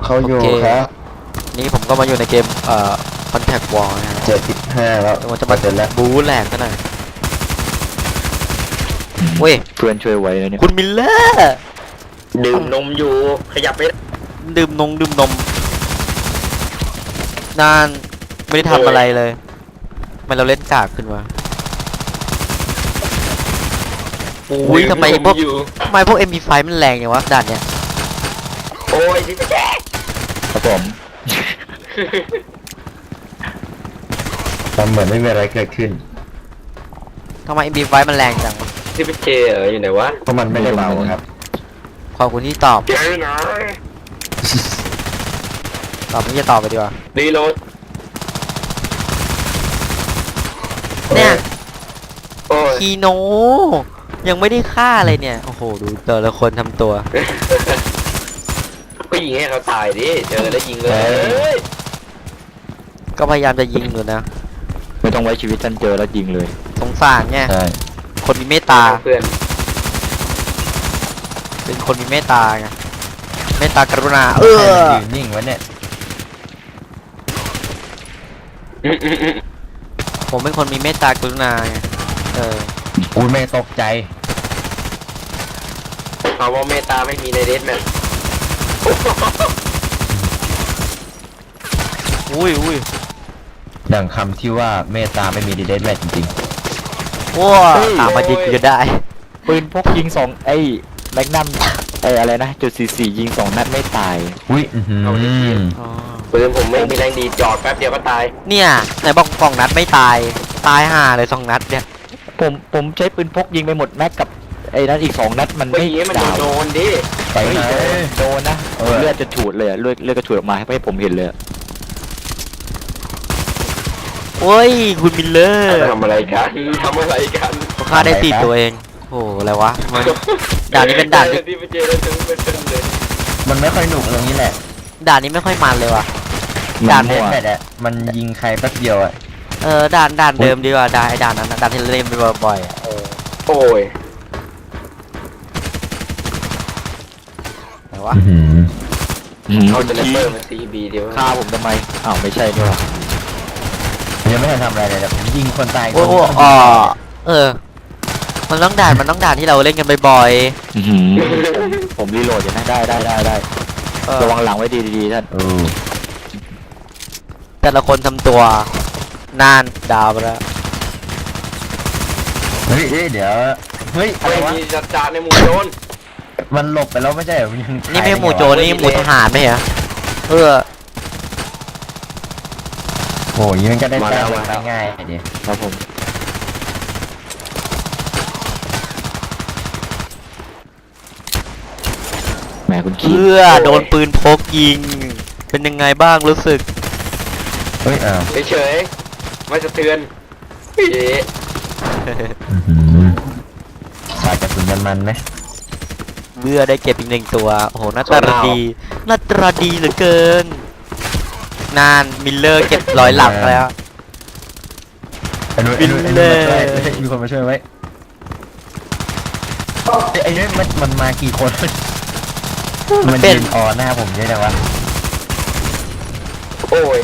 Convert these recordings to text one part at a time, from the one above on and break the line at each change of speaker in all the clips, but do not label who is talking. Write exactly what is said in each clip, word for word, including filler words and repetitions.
เขาอยู่ครับ
นี่ผมก็มาอยู่ในเกมเอ่อ Contact War นะ
เจ็ดสิบห้าแล้ว
มันจะมา
เสร็จแล้ว
บู๊แหลกกันหน่อยเว้ย
เพื่อนช่วยไว้นะเนี่ย
คุณมิลเลอร์
ดื่มนมอยู่ขยับไป
ดื่มนมดื่มนมนานไม่ได้ทำอะไรเลยทำไมเราเล่นกากขึ้นวะโอ้ยทำไมพวกทำไมพวก เอ็ม พี ไฟว์ มันแรงอย่างวะด่านเนี้ย
โอ้ยที่แจ๊ก
ครับผม
ทำเหมือนไม่มีอะไรเกิดขึ้น
ทำไม เอ็ม พี ไฟว์ มันแรงจังวะ
ที่เป็นเจเอออยู่ไหนวะ
เพราะมันไม่ได้เบาครับ
ขอบคุณที่ตอบ
เจอหน่อย
ตอบไม่จะตอบไปดีกว่า
รีโหลด
เนี่ย
โอ้ย
คีโนยังไม่ได้ฆ่าอะไรเนี่ยโอ้โหดูแต่ละคนทำตัว
ก็ยิงให้เขาตายดิเจอแล้วยิงเลย
ก็พยายามจะยิงอยู่นะ
ไม่ต้องไว้ชีวิตท่านเจอแล้วยิงเลย
สงสารไงคนมีเมตตา
เพื่อน
เป็นคนมีเมตตาไงเมตตากรุณาเออ
ยืนนิ่งไว้เนี่ย
ผมเป็นคนมีเมตตากรุณาไงเออ
อุ้ยไม่ตกใจ
เอาว่าเมตตาไม่มีในเดสแมน
อุ้ยอุ้ย
ดังคำที่ว่าเมตตาไม่มีดีเดนแมทจริง
ๆว้าตามมายิงก็ได้
ปืนพกยิงสองไอ้แมกนัมไอ้อะไรนะจุดสี่สี่ยิงสองนัดไม่ตาย
อุ้ย
ปืนผมไม่มีแรงดีจอดแป๊บเดียวก็ตาย
เนี่ยไหนบอกสองนัดไม่ตายตายห่าเลยสองนัดเนี่ย
ผมผมใช้ปืนพกยิงไปหมดแม็กกับไอ้นั้นอีกสองนัดมันไม่
ดาวโดนดิ
ไปโดนนะเลือดจะฉูดเลยเลือดเลือดกระฉูดออกมาให้ผมเห็นเลย
โอ้ยคุณมิลเลอร์
ทำอะไรกันทำอะไรกัน
ฆ่าได้ตีตัวเองโอ้อะไรวะด่านนี้เป็นด่านที่
มันไม่ค่อยหนุกตรงนี้แหละ
ด่านนี้ไม่ค่อยมันเลยว่ะ
ด่านเล่นแบบอะมันยิงใครแป๊บเดียวอะ
เออด่านด่านเดิมดีกว่าด่านไอ้ด่านนั้นด่านที่เล่นไปบ่อยๆเออ
โอ้ย
ไหนวะ
เขาจะเล่นเบอร์มาซีบีเดียว
ฆ่าผมทำไมอ้าวไม่ใช่ด้วย
ยังไม่ทันทำอะไรเลยแต่ผมยิงคนตาย
โอ้โหอ๋อเออมันต้องด่านมันต้องด่านที่เราเล่นกันบ่อย
ๆผมรีโหลดอยู่นะได้ได้ได้ได้ระวังหลังไว้ดีๆท่าน
แต่ละคนทำตัวนานดาวไปแล้ว
เฮ้ยเดี๋ยวเฮ้ย
อะไรวะจัดจานในหมู่โจร
มันหลบไปแล้วไม่ใช่เหรอ
นี่ไม่หมู่โจรนี่หมู่ทหารไหมเหรอเออ
โอ้ยมันก็ได้แต้มง่ายๆดิ
ครับผมแหมคุณคิด
เพื่อโดนปืนพกยิงเป็นยังไงบ้างรู้สึก
เฮ้ยอ้าว
เฉยๆไม่สะเทือนเย้
สายกระสุนมันไหม
เบื่อได้เก็บอีกหนึ่งตัวโอ้โหน่าตาดีน่าตาดีเหลือเกินนานมิลเลอร์เก็บร้อยหลักแล้ว
มิลเลอร์มีคนมาช่วยไว้ไอ้นี่มันมันมากี่คนมันเป็นอ๋อหน้าผมใช่ไหมวะ
โอ้ย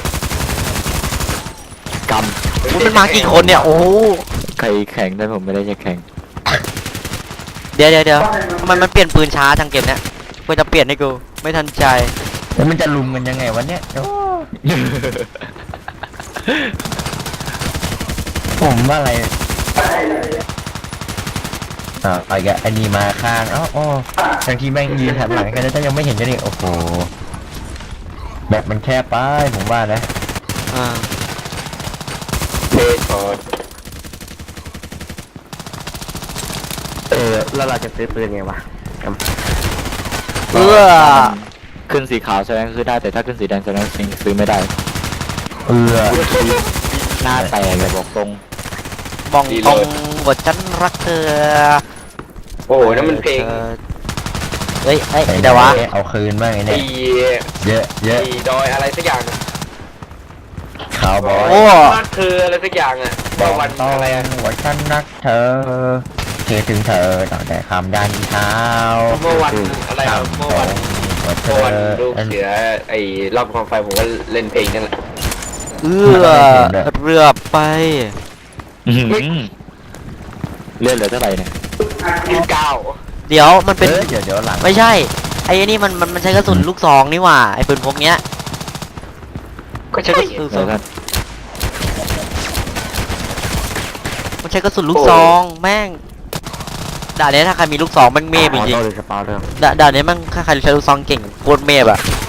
ก
ำมันมากี่คนเนี่ยโอ้
ใครแข่งได้ผมไม่ได้จะแข่ง
เดี๋ยวเดี๋ยวเดี๋ยวทำไมมันเปลี่ยนปืนช้าจังเกมเนี้ยเพื่อจะเปลี่ยนให้กูไม่ทันใจ
แล้วมันจะลุมกันยังไงวะเนี่ยผมว่าอะไรอ่าไอ้แกอันนี้มาข้างอ๋ออ๋อทั้งที่แม่งยืนหันหลังกันแล้วยังไม่เห็นกันนี่โอ้โหแบบมันแคบไปผมว่านะ
อ่า
เทสอด
เออแล้วเราจะซื้อปืนไงวะ
เพื่อ
ขึ้นสีขาวแสดงคือได้แต่ถ้าขึ้นสีแดงแสดงซื้อไม่ได้
เออ
หน้าแตกเลยบอกตรง
บองตรงว่าฉันรักเธอ
โอ้นั่นมันเพลง
เฮ้ยเฮ้ยเดี๋ยววะ
เอาคืนบ้างไงเนี่ยเยอะเยอะ
ดอยอะไรสักอย่างนะ
ข่าวบอย
โอ้
เธออะไรสักอย่างอ่ะ
บอกวันอะไรว่าฉันรักเธอคิดถึงเธอตั้งแต่คำดันเท้า
เมื่อวันอะไรเมื่อวัน
วัด
เพ
เธ
ราะ
อ
วันลูก
อัน
เสือไอ้รอบความไฟผมก็เล่นเพลงนั่นแหละ
เอื้อเรือไป
อื้อหือเลือดเหลือเท่าไหร่เนี่ย
ยี่สิบเก้า
เดี๋ยวมันเป็น
เออเดี๋ยวเดี๋ยวหลัง
ไม่ใช่ไอ้นี่มันมันมันใช้กระสุนลูกซองนี่หว่าไอ้ปืนพกเนี้ย
ก็ใช่
ลูกซ
เดี๋
อย ง
วกัน
มันใช้กระสุนลูกซองแม่งด่านนี้ถ้าใครมีลูกซองแม่งเมฟจ
ออ
ริง
โต้เลยกระเป๋าเริ่ม
ๆด่าด่านนี้แม่งถ้าใครใช้ลูกซองเก่งโคตรเมฟอะ